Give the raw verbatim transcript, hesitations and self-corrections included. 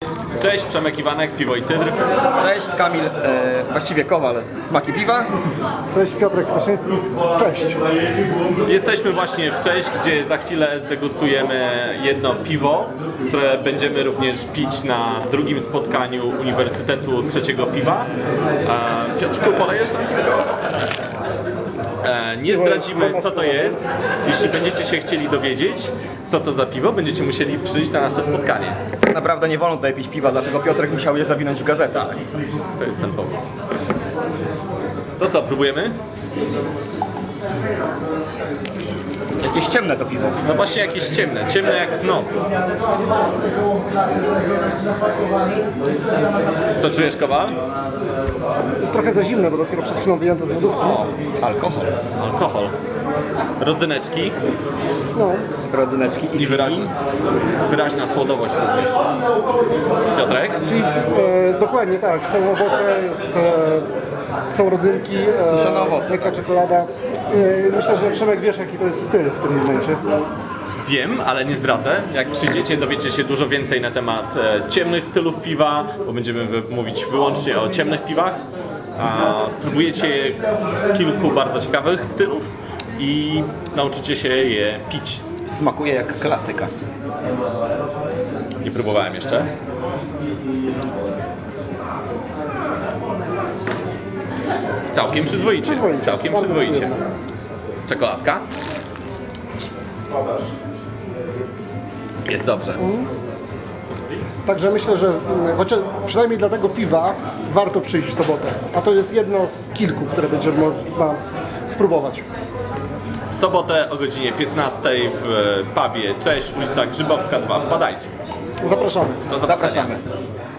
Cześć, Przemek Iwanek, Piwo i Cydr. Cześć, Kamil, e, właściwie Kowal, Smaki Piwa. Cześć, Piotrek Kwaszyński, cześć. Jesteśmy właśnie w Cześć, gdzie za chwilę zdegustujemy jedno piwo, które będziemy również pić na drugim spotkaniu Uniwersytetu Trzeciego Piwa. E, Piotrku, polejesz nam piwko? E, nie zdradzimy, co to jest. Jeśli będziecie się chcieli dowiedzieć, co to za piwo, będziecie musieli przyjść na nasze spotkanie. Tak naprawdę nie wolno tutaj pić piwa, dlatego Piotrek musiał je zawinąć w gazetę. Tak, to jest ten powód. To co, próbujemy? Jakieś ciemne to piwo. No właśnie jakieś ciemne, ciemne jak noc. Co czujesz, Kowal? Jest trochę za zimne, bo dopiero przed chwilą wyjęte z lodówki. Alkohol. Alkohol. Rodzyneczki No, Rodzyneczki i i wyraźna, wyraźna słodowość również. Piotrek? czyli e, dokładnie tak, są owoce, jest, e, są rodzynki, e, Suszone owoce, lekka czekolada. E, myślę, że Przemek wiesz, jaki to jest styl w tym momencie. Wiem, ale nie zdradzę. Jak przyjdziecie, dowiecie się dużo więcej na temat e, ciemnych stylów piwa, bo będziemy wy- mówić wyłącznie o ciemnych piwach. A spróbujecie kilku bardzo ciekawych stylów i nauczycie się je pić. smakuje jak klasyka. Nie próbowałem jeszcze. Całkiem przyzwoicie. Przyzwoicie, Całkiem bardzo przyzwoicie. przyjemne. Czekoladka. Jest dobrze. Także myślę, że mm, chociaż przynajmniej dla tego piwa warto przyjść w sobotę. A to jest jedno z kilku, które będzie można spróbować. W sobotę o godzinie piętnastej w pubie Cześć, ulica Grzybowska dwa. Wpadajcie. Zapraszamy. Do zobaczenia. Zapraszamy.